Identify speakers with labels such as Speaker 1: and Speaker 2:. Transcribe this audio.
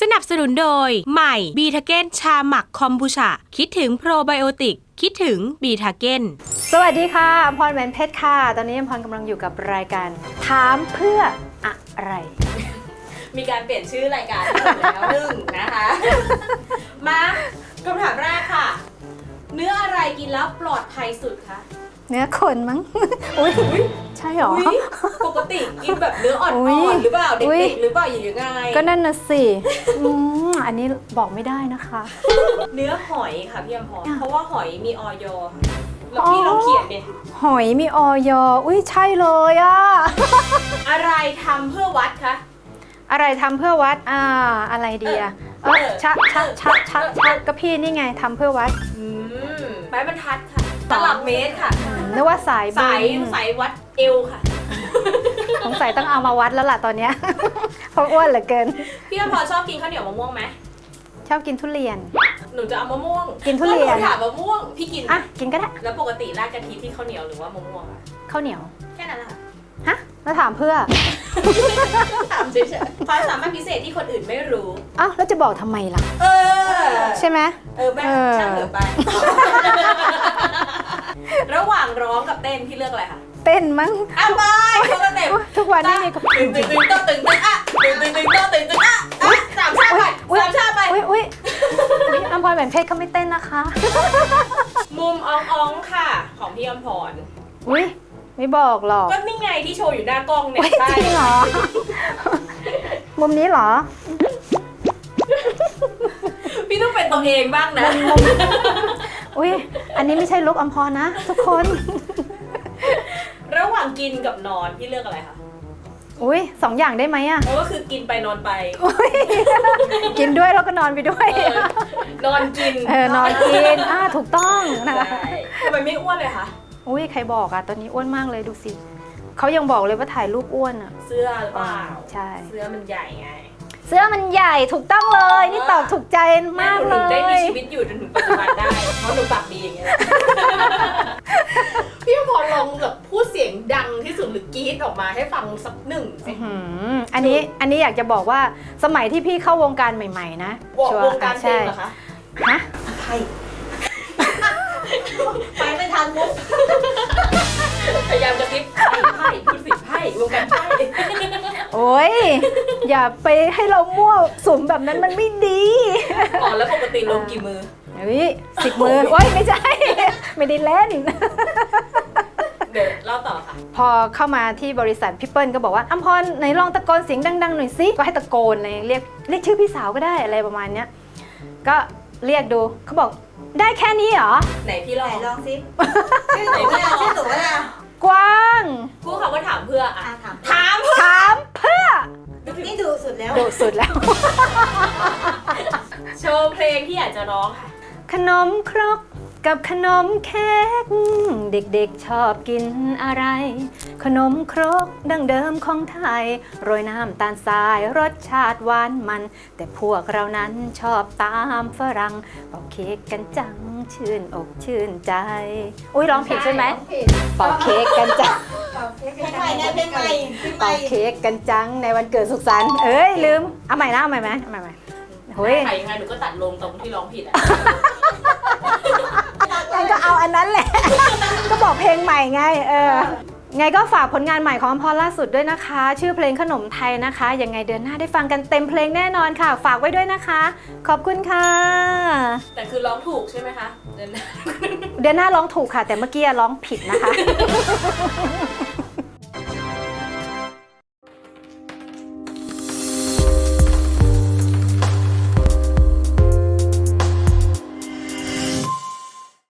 Speaker 1: สนับสนุนโดยใหม่บีทาเก้นชาหมักคอมบูชาคิดถึงโปรไบโอติกคิดถึงบีทาเก้น
Speaker 2: สวัสดีค่ะอมพรแหวนเพชรค่ะตอนนี้อมพรกำลังอยู่กับรายการถามเพื่ออะไร
Speaker 1: มีการเปลี่ยนชื่อรายการแล้วหนึ่งนะคะมาคำถามแรกค่ะเนื้ออะไรกินแล้วปลอดภัยสุดคะ
Speaker 2: เนื้อคนมั้ง อุ้ยใช่หรอ
Speaker 1: ปกติกินแบบเนื้ออ่อนๆหรือเปล่าเด็กๆหรือเปล่าอย่างยังไง
Speaker 2: ก็นั่นน่ะสิอันนี้บอกไม่ได้นะคะ
Speaker 1: เนื้อหอยค่ะพี่อมพรเพราะว่าหอยมีออยแล้วพี่ลองเขียนเนี่ย
Speaker 2: หอยมีออยอุ้ยใช่เลยอะ
Speaker 1: อะไรทำเพื่อวัดคะ
Speaker 2: อะไรทำเพื่อวัดอะไรดีอะชักก็พี่นี่ไงทำเพื่อวัด
Speaker 1: ไม้บรรทัดค่ะตลับเมตรค่ะ
Speaker 2: นึกว่าสาย
Speaker 1: วัดเอวค่ะ
Speaker 2: สงสัยต้องเอามาวัดแล้วล่ะตอนเนี้ยเพราะอ้วนเหลือเกิน
Speaker 1: พี่อมพรชอบกินข้าวเหนียวมะม่วงไหม
Speaker 2: ชอบกินทุเรียน
Speaker 1: หนูจะเอามะม่วง
Speaker 2: กินทุเรียน
Speaker 1: ถามมะม่วงพี่กิน
Speaker 2: กินก็ได้
Speaker 1: แล้วปกติราดกะทิที่ข้าวเหนียวหรือว่ามะม่วงอะ
Speaker 2: ข้าวเหนียว
Speaker 1: แค่นั้นแหละ
Speaker 2: ฮะแล้วถามเพื่อ
Speaker 1: ถามเฉยๆความสามารถพิเศษที่คนอื่นไม่รู้
Speaker 2: แล้วจะบอกทำไมล่ะใช่ไหม
Speaker 1: แม่ช่างเหลือไประหว่างร้องกับเต้นพี่เลือกอะไรคะ
Speaker 2: เต้นมั้ง
Speaker 1: ไปเขาก็เต้น
Speaker 2: ทุกวันนี้มี
Speaker 1: ตึงก็ตึงก็ตึงสามชาติไป
Speaker 2: อุ้ยอมพรแหวนเพชรเขาไม่เต้นนะคะ
Speaker 1: มุมอ่องค่ะของพี่อมพร
Speaker 2: อุ้ยไม่บอกหรอก
Speaker 1: ก็นี่ไงที่โชว์อยู่หน้ากล้องเนี่ย
Speaker 2: จริงเหรอมุมนี้เหรอ
Speaker 1: พี่ต้องเป็นตัวเองบ้างนะ
Speaker 2: อุ้ยอันนี้ไม่ใช่ลุคอมพรนะทุกคน
Speaker 1: ระหว่างกินกับนอนพี่เลือกอะไรคะ
Speaker 2: อุ้ย2 อย่างได้ไหมอะ
Speaker 1: ก็คือกินไปนอนไป
Speaker 2: กินด้วยแล้วก็นอนไปด้วย
Speaker 1: นอนกิน
Speaker 2: นอนกินถูกต้องนะคะ
Speaker 1: ทำไมไม่อ้วนเลยคะ
Speaker 2: อุ้ยใครบอกอะตอนนี้อ้วนมากเลยดูสิเขายังบอกเลยว่าถ่ายรูปอ้วนอะ
Speaker 1: เสื้อหรือเปล่า
Speaker 2: ใช่
Speaker 1: เสื้อมันใหญ่ไง
Speaker 2: เสื้อมันใหญ่ถูกต้องเลยนี่ตอบถูกใจมากเลย
Speaker 1: ได้มีชีวิตอยู่จนถึงปัจจุบันได้เพราะหนูปากดีอย่างเงี้ยพี่พรลองแบบพูดเสียงดังที่สุดหรือกรี๊ดออกมาให้ฟังสักหนึ่งสิ
Speaker 2: อันนี้อยากจะบอกว่าสมัยที่พี่เข้าวงการใหม่ๆนะ
Speaker 1: วงการเพลงเหรอคะ
Speaker 2: ฮะ
Speaker 1: ใครไปไม่ทันมุกพยายามจะคิดไพ่พูดสิไพ่วงการไพ่
Speaker 2: โอ้ยอย่าไปให้เรามั่วสุมแบบนั้นมันไม่ดี
Speaker 1: แล้วปกติลงกี่มือ
Speaker 2: 10 มือโอ้ยไม่ใช่ไม่ได้เล่น
Speaker 1: เดี๋ยวเล่าต่อค่ะ
Speaker 2: พอเข้ามาที่บริษัทพี่เปิ้ลก็บอกว่าอมพรไหนลองตะโกนเสียงดังๆหน่อยสิก็ให้ตะโกนเลยเรียกชื่อพี่สาวก็ได้อะไรประมาณเนี้ยก็เรียกดูเขาบอกได้แค่นี้เหรอ
Speaker 1: ไหนพี่ลอง
Speaker 3: สิชื่อหนูว่า
Speaker 2: กว้าง
Speaker 1: พูดคำว่าถามเพื่อถามเ
Speaker 2: พื่อ
Speaker 3: นี่ดูสุดแล้ว
Speaker 1: โชว์เพลงที่อยากจะร้องค่ะ
Speaker 2: ขนมครกกับขนมเค้กเด็กๆชอบกินอะไรขนมครกดั้งเดิมของไทยโรยน้ำตาลทรายรสชาติหวานมันแต่พวกเรานั้นชอบตามฝรั่งเป่าเค้กกันจังชื่นอกชื่นใจอุ้ยร้องผิดใช่ไหมเป่าเค้กกันจัง
Speaker 3: เป่าเค้กกัน
Speaker 2: จังในวันเกิดสุขสันต์ลืมเอาใหม่นะเอาใหม่ไหม
Speaker 1: เฮ้ยยังไงหนูก็ตัดลงตรงที่ร้องผิด
Speaker 2: งั้นก็เอาอันนั้นแหละก็บอกเพลงใหม่ไงไงก็ฝากผลงานใหม่ของอมพรล่าสุดด้วยนะคะชื่อเพลงขนมไทยนะคะยังไงเดือนหน้าได้ฟังกันเต็มเพลงแน่นอนค่ะฝากไว้ด้วยนะคะขอบคุณค่ะ
Speaker 1: แต่คือร้องถูกใช่ไหมคะเดือนหน้า
Speaker 2: ร้องถูกค่ะแต่เมื่อกี้ร้องผิดนะคะ